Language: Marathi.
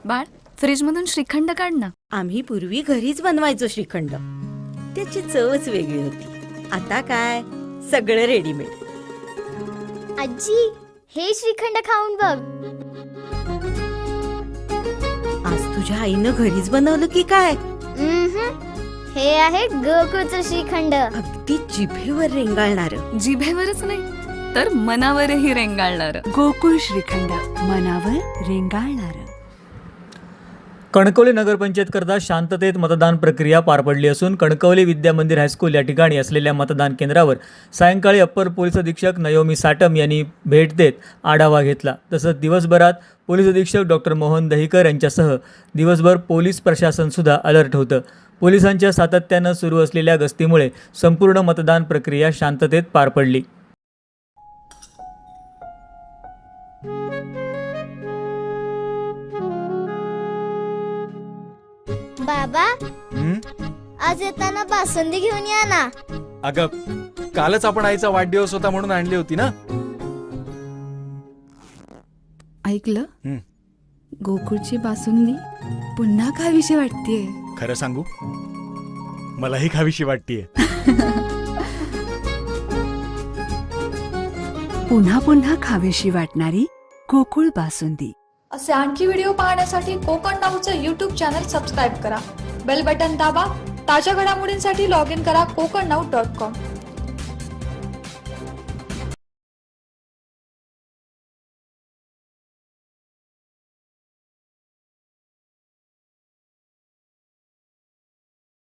बाळ, फ्रीजमधून श्रीखंड काढ ना. आम्ही पूर्वी घरीच बनवायचो श्रीखंड. त्याची चवच वेगळी होती. आता काय सगळं रेडीमेड. आजी, हे श्रीखंड खाऊन बघ. आज तुझ्या आईनं घरीच बनवलं की काय? हे आहे गोकुळचं श्रीखंड. अगदी जिभेवर रेंगाळणार. जिभेवरच नाही तर मनावरही रेंगाळणार. गोकुळ श्रीखंड, मनावर रेंगाळणार. कणकवली नगरपंचायत करता शांततेत मतदान प्रक्रिया पार पडली असून कणकवली विद्या मंदिर हायस्कूल या ठिकाणी असलेल्या मतदान केंद्रावर सायंकाळी अप्पर पोलीस अधीक्षक नयोमी साटम यांनी भेट देत आढावा घेतला. तसंच दिवसभरात पोलीस अधीक्षक डॉक्टर मोहन दहिकर यांच्यासह दिवसभर पोलीस प्रशासनसुद्धा अलर्ट होतं. पोलिसांच्या सातत्यानं सुरू असलेल्या गस्तीमुळे संपूर्ण मतदान प्रक्रिया शांततेत पार पडली. बाबा, आज येताना बासुंदी घेऊन या ना. अगं, कालच आपण आईचा वाढदिवस होता म्हणून आणली होती ना. ऐकलं? गोकुळची बासुंदी पुन्हा खावीशी वाटतेय. खरं सांगू, मलाही खावीशी वाटतेय. पुन्हा पुन्हा खावीशी वाटणारी गोकुळ बासुंदी. असे आणखी व्हिडिओ पाहण्यासाठी कोकण नाऊचं यूट्यूब चॅनल सबस्क्राईब करा. बेल बटन दाबा. ताज्या घडामोडींसाठी लॉग इन करा kokarnaut.com.